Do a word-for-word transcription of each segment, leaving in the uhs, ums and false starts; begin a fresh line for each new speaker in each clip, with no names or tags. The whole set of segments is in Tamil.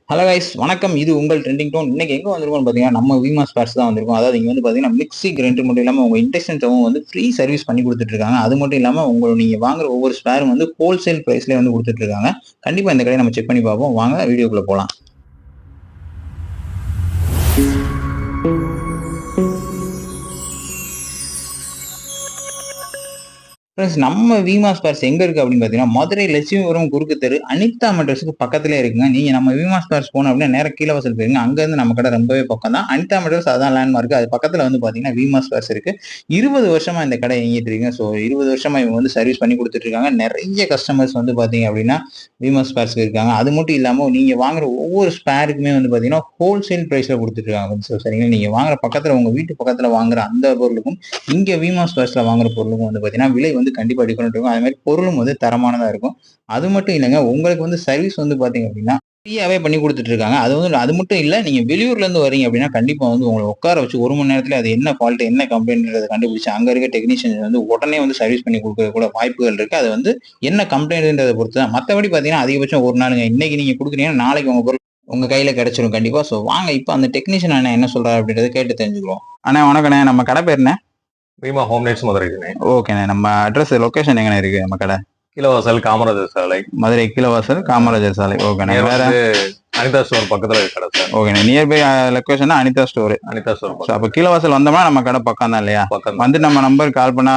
ஹலோ கைஸ், வணக்கம். இது உங்கள் ட்ரெண்டிங் டோன். இன்னைக்கு எங்க வந்திருக்கோம் பார்த்தீங்கன்னா, நம்ம விமா ஸ்பேர்ஸ் தான் வந்திருக்கோம். அதாவது இங்க வந்து பார்த்தீங்கன்னா, மிக்ஸி கிரைண்டர் மட்டும் இல்லாம உங்க இண்டக்ஷன் ஸ்டவும் வந்து ஃப்ரீ சர்வீஸ் பண்ணி கொடுத்துட்டு இருக்காங்க. அது மட்டும் இல்லாம உங்க நீங்க வாங்குற ஒவ்வொரு ஸ்பேரும் வந்து ஹோல்சேல் பிரைஸ்லயே வந்து கொடுத்துட்டு இருக்காங்க. கண்டிப்பா இந்த கடையை நம்ம செக் பண்ணி பார்ப்போம். வாங்க வீடியோக்குள்ள போலாம். நம்ம விமா ஸ்பேர்ஸ் எங்க இருக்கு அப்படின்னு பாத்தீங்கன்னா, மதுரை லட்சுமிபுரம் குறுக்கு தெரு அனிதா மெட்ரஸுக்கு பக்கத்திலே இருக்குங்க. நீங்க நம்ம விமா ஸ்பேர்ஸ் போனோம் அப்படின்னா நேரம் கீழ வாசல் போயிருங்க. அங்க இருந்து நம்ம கடை ரொம்பவே பக்கம் தான். அனிதா மெட்ரஸ் அதான் லேண்ட்மார்க். அது பக்கத்துல வந்து பாத்தீங்கன்னா விமா ஸ்பேர்ஸ் இருக்கு. இருபது வருஷமா இந்த கடை இயங்கிட்டு இருக்குங்க. ஸோ இருபது வருஷமா இவங்க வந்து சர்வீஸ் பண்ணி கொடுத்துட்டு இருக்காங்க. நிறைய கஸ்டமர்ஸ் வந்து பாத்தீங்க அப்படின்னா விமா ஸ்பேர்ஸ்க்கு இருக்காங்க. அது மட்டும் இல்லாம நீங்க வாங்குற ஒவ்வொரு ஸ்பேருக்குமே வந்து பாத்தீங்கன்னா ஹோல்சேல் பிரைஸ்ல கொடுத்துட்டு இருக்காங்க. ஸோ சரிங்களா, நீங்க வாங்குற பக்கத்துல உங்க வீட்டு பக்கத்துல வாங்குற அந்த பொருளுக்கும் இங்க விமா ஸ்பேர்ஸ்ல வாங்குற பொருளுக்கும் வந்து பாத்தீங்கன்னா விலை வந்து கண்டிப்பா டிஃபரெண்ட் இருக்கும். அது மாதிரி பொருளும் வந்து தரமானதா இருக்கும். அது மட்டும் இல்லைங்க, உங்களுக்கு வந்து சர்வீஸ் வந்து பாத்தீங்க அப்படின்னா ஃப்ரீயாவே பண்ணி கொடுத்துட்டு இருக்காங்க. அது வந்து அது மட்டும் இல்ல, நீங்க வெளியூர்ல இருந்து வரீங்க அப்படின்னா கண்டிப்பா வந்து உங்களை உட்கார வச்சு ஒரு மணி நேரத்துல அது என்ன ஃபால்ட் என்ன கம்ப்ளைண்ட்ன்றதை கண்டுபிடிச்சு அங்க இருக்க டெக்னீஷியன் வந்து உடனே வந்து சர்வீஸ் பண்ணி கொடுக்கற கூட வாய்ப்புகள் இருக்கு. அது வந்து என்ன கம்ப்ளைண்ட்ன்றதை பொறுத்து தான். மற்றபடி பாத்தீங்கன்னா அதிகபட்சம் ஒரு நாளுங்க. இன்னைக்கு நீங்க கொடுக்குறீங்கன்னா நாளைக்கு உங்க பொருள் உங்க கையில கிடைச்சிடும் கண்டிப்பா. சோ வாங்க இப்ப அந்த டெக்னீஷியன் அண்ணா என்ன சொல்றாரு அப்படின்றத கேட்டு தெரிஞ்சுக்கிறோம். அண்ணா வணக்கண்ணே, நம்ம கடை பேர் என்ன?
Vima home needs Madurai.
ஓகேண்ணே, நம்ம அட்ரஸ் லொகேஷன் எங்கண்ணே இருக்கு நம்ம கடை?
கீழவாசல் காமராஜர் சாலை,
மதுரை கீழவாசல் காமராஜர் சாலை. ஓகேண்ணே. வேற
அனிதா ஸ்டோர் பக்கத்துல கடை சார்.
ஓகேண்ணே, nearby location Anitha store.
Anitha store.
அப்ப கீழவாசல் வந்தோம்னா நம்ம கடை பக்கம் தான் இல்லையா?
பக்கம்
வந்து நம்ம நம்பர் கால் பண்ணா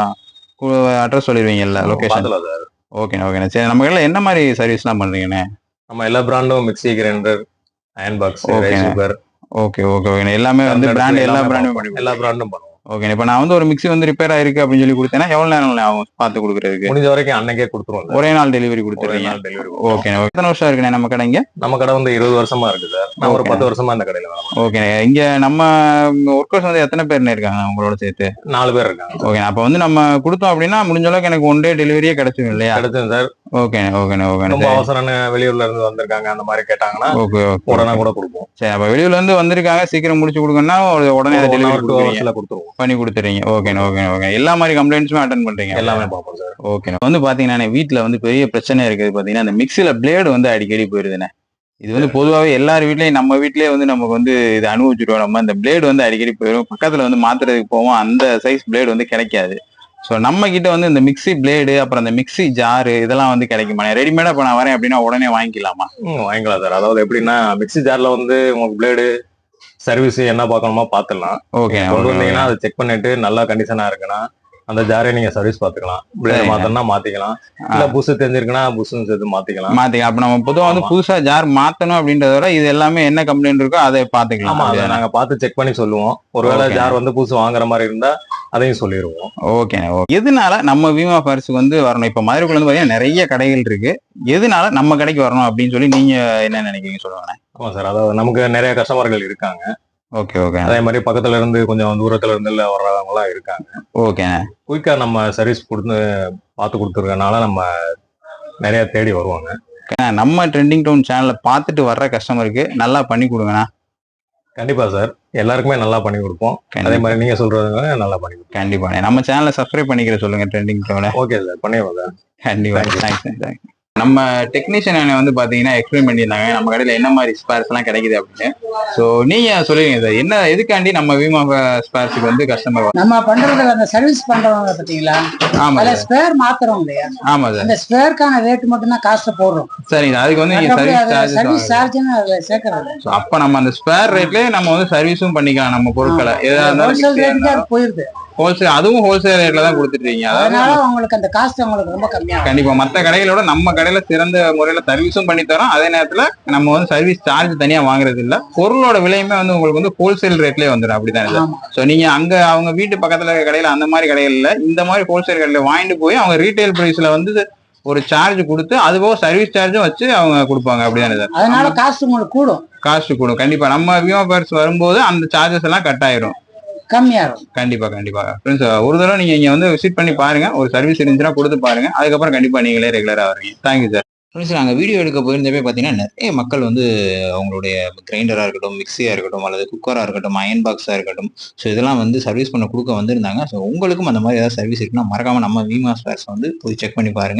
அட்ரஸ் சொல்லிடுவீங்கல்ல லொகேஷன்? ஓகேண்ணே ஓகேண்ணே. சரி, நம்ம கடையில என்ன மாதிரி சர்வீஸ்லாம் பண்றீங்கண்ணே?
நம்ம எல்லா பிராண்டும் mixie grinder iron box rice cooker.
Okay okay ஓகேண்ணே. எல்லாமே வந்து பிராண்ட் எல்லா பிராண்டும் பண்ணி
எல்லா பிராண்டும் பண்ணுவோம்.
ஓகே, இப்ப நான் வந்து ஒரு மிக்ஸி வந்து ரிப்பேர் ஆயிருக்கு அப்படின்னு சொல்லி கொடுத்தேன்னா எவ்வளவு நேரம் ஆகும் பார்த்து கொடுக்குறதுக்கு?
முடிஞ்ச வரைக்கும் அன்னைக்கே கொடுத்துருவோம்.
ஒரே நாள் டெலிவரி கொடுத்துருவீங்க? ஓகே. எத்தனை வருஷம் இருக்குண்ணே நம்ம கடை இங்க?
நம்ம கடை வந்து இருபது வருஷமா இருக்கு சார். நான் ஒரு பத்து வருஷமா இந்த கடையில.
ஓகே. இங்க நம்ம ஒர்க்கர்ஸ் வந்து எத்தனை பேர் இருக்காங்க உங்களோட சேர்த்து?
நாலு பேர் இருக்காங்க.
ஓகே, அப்ப வந்து நம்ம கொடுத்தோம் அப்படின்னா முடிஞ்ச அளவுக்கு எனக்கு ஒன் டே டெலிவரியே கிடைச்சிடும் இல்லையா?
கிடைச்சது சார்.
Okay okay okay.
ரொம்ப அவசரம் வெளியூர்ல இருந்து வந்திருக்காங்க அந்த மாதிரி கேட்டாங்கன்னா ஓகே உடனே கூட கொடுப்போம்.
சரி, அப்ப வெளியூர்ல இருந்து வந்திருக்காங்க சீக்கிரம் முடிச்சு கொடுக்கணும்னா உடனே டெலிவரி
கொடுத்துருவோம்,
பண்ணி கொடுத்துறீங்க. Okay okay okay. எல்லா மாதிரி கம்ப்ளைண்ட்ஸுமே அட்டெண்ட் பண்றீங்க?
எல்லாமே பார்ப்போம் சார்.
ஓகே. வந்து பாத்தீங்கன்னா வீட்டுல வந்து பெரிய பிரச்சனை இருக்குது பாத்தீங்கன்னா அந்த மிக்சில பிளேடு வந்து அடிக்கடி போயிருதுண்ணே. இது வந்து பொதுவாகவே எல்லார் வீட்லயும் நம்ம வீட்லயே வந்து நமக்கு வந்து இது அனுபவிச்சுருவோம். நம்ம இந்த பிளேடு வந்து அடிக்கடி போயிடும். பக்கத்துல வந்து மாத்துறதுக்கு போவோம், அந்த சைஸ் பிளேடு வந்து கிடைக்காது. ஸோ நம்ம கிட்ட வந்து இந்த மிக்ஸி பிளேடு அப்புறம் அந்த மிக்ஸி ஜாரு இதெல்லாம் வந்து கிடைக்குமா? ரெடிமேடா இப்போ நான் வரேன் அப்படின்னா உடனே வாங்கிக்கலாமா?
ம் வாங்கிக்கலாம் சார். அதாவது எப்படின்னா மிக்ஸி ஜார்ல வந்து உங்களுக்கு பிளேடு சர்வீஸ் என்ன பார்க்கணுமா பார்த்துடலாம்.
ஓகே.
கொண்டு வந்தீங்கன்னா அதை செக் பண்ணிட்டு நல்லா கண்டிஷனா இருக்குன்னா அந்த ஜாரை நீங்க சர்வீஸ் பாத்துக்கலாம். பிளேட் மாத்தணும்னா மாத்திக்கலாம், இல்ல புஷ் தெரிஞ்சிருக்குன்னா புஷ்னு சேர்த்து மாத்திக்கலாம்
மாத்திக்கலாம். அப்ப நம்ம பொதுவா வந்து புதுசா ஜார் மாத்தணும் அப்படின்றத விட இது எல்லாமே என்ன கம்ப்ளைண்ட் இருக்கோ அதை பாத்துக்கலாம்.
ஆமா, அதை நாங்க பார்த்து செக் பண்ணி சொல்லுவோம். ஒருவேளை ஜார் வந்து புதுசு வாங்குற மாதிரி இருந்தா அதையும் சொல்லிடுவோம்.
ஓகே. எதனால நம்ம விமா ஸ்பேர்ஸ்க்கு வந்து வரணும்? இப்ப மதுரைக்குள்ள வந்து பாத்தீங்கன்னா நிறைய கடைகள் இருக்கு. எதனால நம்ம கடைக்கு வரணும் அப்படின்னு சொல்லி நீங்க என்ன நினைக்கிறீங்க சொல்லுவாங்க?
ஆமா சார், அதாவது நமக்கு நிறைய கஸ்டமர்கள் இருக்காங்க.
Okay okay.
அதே மாதிரி பக்கத்துல இருந்து கொஞ்சம் தூரத்துல இருந்து வர்றவங்க எல்லாம் இருக்காங்க.
ஓகே.
குயிக்கா நம்ம சர்வீஸ் கொடுத்து பார்த்து கொடுத்துருக்கனால நம்ம நிறைய தேடி வருவாங்க.
நம்ம ட்ரெண்டிங் டவுன் சேனலை பார்த்துட்டு வர்ற கஸ்டமருக்கு நல்லா பண்ணி கொடுங்கண்ணா.
கண்டிப்பா சார், எல்லாருக்குமே நல்லா பண்ணி கொடுப்போம். அதே மாதிரி நீங்க சொல்றதுங்க நல்லா பண்ணி கொடுப்போம்.
கண்டிப்பா. நம்ம சேனலை சப்ஸ்கிரைப் பண்ணிக்கிற சொல்லுங்க ட்ரெண்டிங் டவுனை.
ஓகே சார், பண்ணிடுவோம் சார்.
கண்டிப்பா. Thanks thanks. நம்ம டெக்னீஷியன் வந்து பாத்தீங்கன்னா எக்ஸ்பிளைன் பண்ணியிருந்தாங்க நம்ம கடையில என்ன மாதிரி ஸ்பேர்ஸ் எல்லாம் கிடைக்குது அப்படின்னு. சோ நீங்க சொல்லுவீங்க சார், என்ன எதுக்காண்டி நம்ம விமா ஸ்பேர்ஸ்க்கு வந்து கஸ்டமர்
நம்ம பண்றதுல அந்த சர்வீஸ் பண்றவங்க பாத்தீங்களா? ஆமா, அதுல ஸ்பேர் மாத்துறோம் இல்லையா?
ஆமா சார்.
அந்த ஸ்பேர்க்கான ரேட் மட்டும் தான் காஸ்ட் போடுறோம்.
சரிங்க, அதுக்கு வந்து நீங்க
சர்வீஸ் சார்ஜ்னு அதுல சேர்க்கறது.
சோ அப்ப நம்ம அந்த ஸ்பேர் ரேட்லயே நம்ம வந்து சர்வீஸும் பண்ணிக்கலாம். நம்ம பொருட்களை ஏதாவது
ஹோல்சேல் ரேட்டுக்கு அது போயிருது.
ஹோல்சேல், அதுவும் ஹோல்சேல் ரேட்ல தான் கொடுத்துருக்கீங்க.
அதனால உங்களுக்கு அந்த காஸ்ட் உங்களுக்கு ரொம்ப கம்மியா.
கண்டிப்பா மத்த கடைகளோட நம்ம கடையில சிறந்த முறையில சர்வீஸும் பண்ணி தரோம். அதே நேரத்துல நம்ம வந்து சர்வீஸ் சார்ஜ் தனியா வாங்குறது இல்ல. பொருளோட விலையுமே வந்து உங்களுக்கு வந்து ஹோல்சேல் ரேட்லயே வந்துடும். அப்படிதான் சார். சோ நீங்க அங்க அவங்க வீட்டு பக்கத்துல இருக்க கடையில அந்த மாதிரி கடைகள்ல இந்த மாதிரி ஹோல்சேல் கடையில வாங்கிட்டு போய் அவங்க ரீட்டைல் பிரைஸ்ல வந்து ஒரு சார்ஜ் கொடுத்து அது போக சர்வீஸ் சார்ஜும் வச்சு அவங்க கொடுப்பாங்க. அப்படிதானே சார்?
அதனால காஸ்ட் உங்களுக்கு கூடும்.
காஸ்ட் கூடும் கண்டிப்பா. நம்ம விமா ஸ்பேர்ஸ் வரும்போது அந்த சார்ஜஸ் எல்லாம் கட் ஆயிரும்,
கம்மியா இருக்கும்.
கண்டிப்பா கண்டிப்பா. ஃப்ரெண்ட்ஸ், ஒரு தடவை நீங்க இங்க வந்து விசிட் பண்ணி பாருங்க, ஒரு சர்வீஸ் இருந்துச்சுன்னா கொடுத்து பாருங்க. அதுக்கப்புறம் கண்டிப்பா நீங்களே ரெகுலரா வருவீங்க. Thank you sir. ஃப்ரெண்ட்ஸ், நாங்கள் வீடியோ எடுக்க போயிருந்தப்பே பார்த்தீங்கன்னா நிறைய மக்கள் வந்து அவங்களுடைய கிரைண்டராக இருக்கட்டும், மிக்சியாக இருக்கட்டும், அல்லது குக்கராக இருக்கட்டும், அயன் பாக்ஸாக இருக்கட்டும், ஸோ இதெல்லாம் வந்து சர்வீஸ் பண்ண கொடுக்க வந்திருந்தாங்க. ஸோ உங்களுக்கும் அந்த மாதிரி ஏதாவது சர்வீஸ் இருக்குன்னா மறக்காம நம்ம விமா ஸ்பேர்ஸ் வந்து போய் செக் பண்ணி பாருங்க.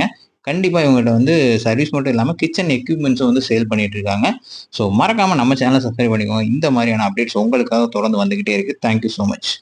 கண்டிப்பா இவங்ககிட்ட வந்து சர்வீஸ் மட்டும் இல்லாம கிச்சன் எக்யூப்மெண்ட்ஸும் வந்து சேல் பண்ணிட்டு இருக்காங்க. ஸோ மறக்காம நம்ம சேனலை சப்ஸ்கிரைப் பண்ணிக்கோங்க. இந்த மாதிரியான அப்டேட்ஸ் உங்களுக்காக தொடர்ந்து வந்துகிட்டே இருக்கு. Thank you so much.